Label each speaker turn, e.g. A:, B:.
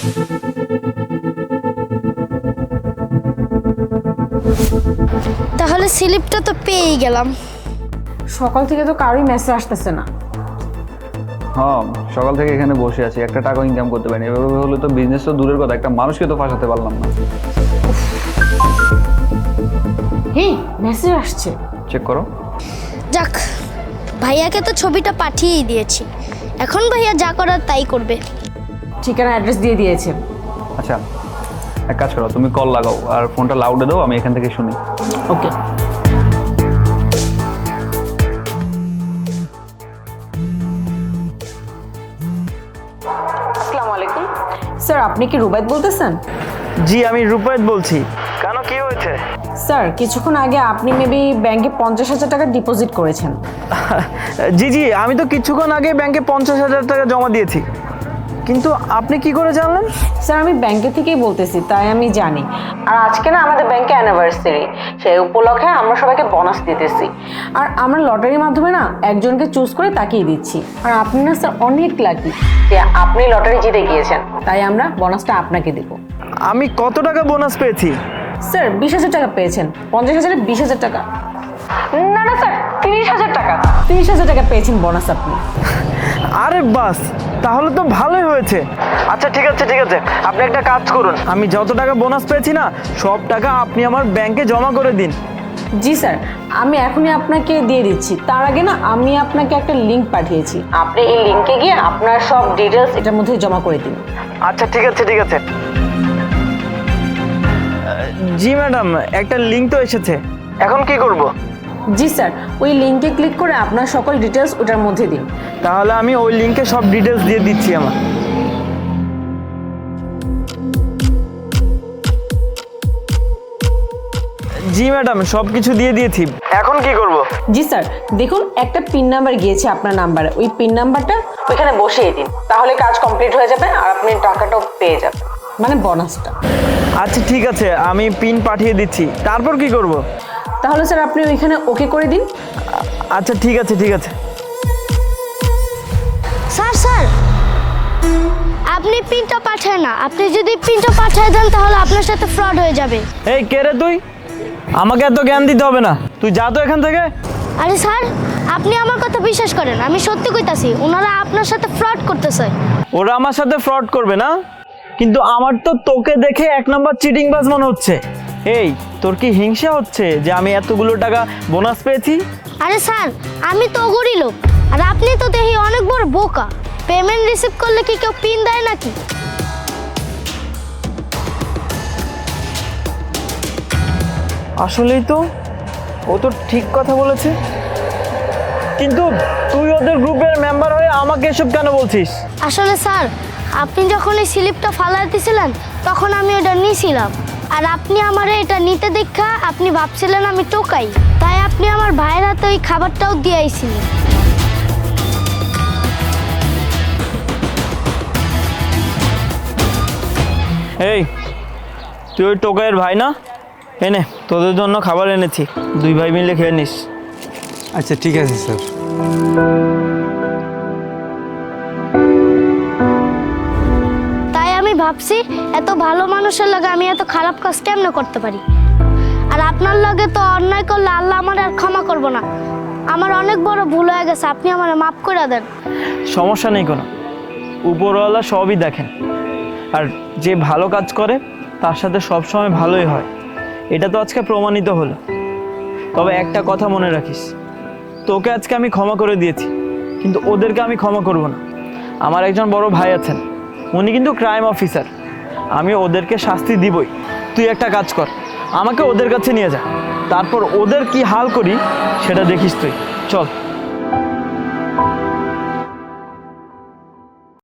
A: তাহলে স্লিপটা তো পেয়েই গেলাম।
B: সকাল থেকে তো কারোই মেসেজ আসতেছে না।
C: হ্যাঁ, সকাল থেকে এখানে বসে আছি, একটা টাকা ইনকাম করতে পারিনি। এভাবে হলে তো বিজনেস তো দূরের কথা, একটা মানুষকে তো ফাঁসাতে পারলাম না।
B: হ্যাঁ, মেসেজ আসছে,
C: চেক করো।
A: যাক, ভাইয়াকে তো ছবিটা পাঠিয়েই দিয়েছি, এখন ভাইয়া যা করার তাই করবে।
B: ঠিকানা অ্যাড্রেস দিয়ে দিয়েছে।
C: আচ্ছা, এক কাজ করো, তুমি কল লাগাও আর ফোনটা লাউডে দাও, আমি এখান থেকে শুনি।
B: ওকে। আসসালামু আলাইকুম স্যার, আপনি কি রুবাইদ বলতেছেন?
D: জি, আমি রূপায়ত বলছি। কেন, কি হয়েছে?
B: স্যার, কিছুক্ষণ আগে আপনি মেবি ব্যাংকে 50,000 টাকা ডিপোজিট করেছেন।
D: জি জি, আমি তো কিছুক্ষণ আগে ব্যাংকে 50,000 টাকা জমা দিয়েছি, কিন্তু আপনি কি করে জানলেন?
B: স্যার, আমি ব্যাংকে থেকেই বলতেছি, তাই আমি জানি। আর আজকে না আমাদের ব্যাংকে অ্যানিভার্সারি, সেই উপলক্ষে আমরা সবাইকে বোনাস দিতেছি। আর আমরা লটারির মাধ্যমে না একজনকে চুজ করে তাকিয়ে দিচ্ছি। আর আপনি না স্যার অনেক লাকি যে আপনি লটারি জিতে গিয়েছেন, তাই আমরা বোনাসটা আপনাকে দেব।
D: আমি কত টাকা বোনাস পেয়েছি?
B: স্যার 20,000 টাকা পেয়েছেন। 50,000-এ 20,000 টাকা। না না স্যার, 30,000 টাকা। 30,000 টাকা পেয়েছেন বোনাস আপনি।
D: আরে বাস, তাহলে তো ভালোই হয়েছে। আচ্ছা ঠিক আছে ঠিক আছে, আপনি একটা কাজ করুন, আমি যত টাকা বোনাস পেয়েছি না সব টাকা আপনি আমার ব্যাংকে জমা করে দিন।
B: জি স্যার, আমি এখনই আপনাকে দিয়ে দিচ্ছি। তার আগে না আমি আপনাকে একটা লিংক পাঠিয়েছি, আপনি এই লিংকে গিয়ে আপনার সব ডিটেলস এটার মধ্যে জমা করে দিন।
D: আচ্ছা ঠিক আছে ঠিক আছে। জি ম্যাডাম, একটা লিংক তো এসেছে, এখন কি করব?
B: জি স্যার, ওই লিংকে ক্লিক করে আপনার সকল ডিটেলস ওটার মধ্যে দিন।
D: তাহলে আমি ওই লিংকে সব ডিটেলস দিয়ে দিচ্ছি আমার। জি ম্যাডাম, সব কিছু দিয়ে দিয়েছি, এখন কি করব?
B: জি স্যার, দেখুন একটা পিন নাম্বার গিয়েছে আপনার নাম্বারে, ওই পিন নাম্বারটা ওইখানে বসিয়ে দিন, তাহলে কাজ কমপ্লিট হয়ে যাবে আর আপনি টাকাটাও পেয়ে যাবেন, মানে বোনাসটা।
D: আচ্ছা ঠিক আছে, আমি পিন পাঠিয়ে দিচ্ছি, তারপর কি করব?
B: তাহলে স্যার আপনি ওইখানে ওকে করে দিন।
D: আচ্ছা ঠিক আছে ঠিক আছে।
A: স্যার স্যার, আপনি পিনটা পাঠায় না, আপনি যদি পিনটা পাঠিয়ে দেন তাহলে আপনার সাথে ফ্রড হয়ে যাবে।
D: এই কে রে তুই? আমাকে এত জ্ঞান দিতে হবে না, তুই যা তো এখান থেকে।
A: আরে স্যার, আপনি আমার কথা বিশ্বাস করেন, আমি সত্যি কইতাছি, ওনারা আপনার সাথে ফ্রড করতেছে।
D: ওরা আমার সাথে ফ্রড করবে না, কিন্তু আমার তো তোকে দেখে এক নাম্বার চিটিংবাজ মনে হচ্ছে। এই, তোর কি হিংসা হচ্ছে যে আমি এতগুলো টাকা বোনাস পেয়েছি?
A: আরে স্যার, আমি তো গরিব লোক, আর আপনি তো দেখি অনেক বড় বোকা। পেমেন্ট রিসিভ করলে কি কেউ পিন দেয় নাকি?
D: আসলেই তো, ও তো ঠিক কথা বলেছে, কিন্তু তুই ওদের গ্রুপের মেম্বার হয়ে আমাকে এসব কেন বলছিস?
A: আসলে স্যার, আপনি যখন এই স্লিপটা ফালাই দিয়েছিলেন তখন আমি ওটা নিয়েছিলাম, আর আপনি আমার এটা নিতে দেখা আপনি ভাবছিলেন আমি টোকাই, তাই আপনি আমার ভাইয়ের হাতে ওই খাবারটাও দিয়ে আইছিলেন।
D: এই, তুই ওই টোকাইয়ের ভাই না? এনে তোদের জন্য খাবার এনেছি, দুই ভাই মিলে খেয়ে নিস।
E: আচ্ছা ঠিক আছে স্যার।
A: তাই আমি ভাবছি এত ভালো মানুষের লগে আমি এত খারাপ কাজ কেমনে করতে পারি। আর আপনার লগে তো অন্যায় করলে আল্লাহ আমার আর ক্ষমা করব না। আমার অনেক বড় ভুল হয়ে গেছে, আপনি আমার মাফ করে দেন।
D: সমস্যা নেই কোনো, উপরওয়ালা সবই দেখেন, আর যে ভালো কাজ করে তার সাথে সবসময় ভালোই হয়, এটা তো আজকে প্রমাণিত হলো। তবে একটা কথা মনে রাখিস, তোকে আজকে আমি ক্ষমা করে দিয়েছি, কিন্তু ওদেরকে আমি ক্ষমা করব না। আমার একজন বড় ভাই আছেন, উনি কিন্তু ক্রাইম অফিসার, আমি ওদেরকে শাস্তি দিবই। তুই একটা কাজ কর, আমাকে ওদের কাছে নিয়ে যা, তারপর ওদের কি হাল করি সেটা দেখিস তুই। চল।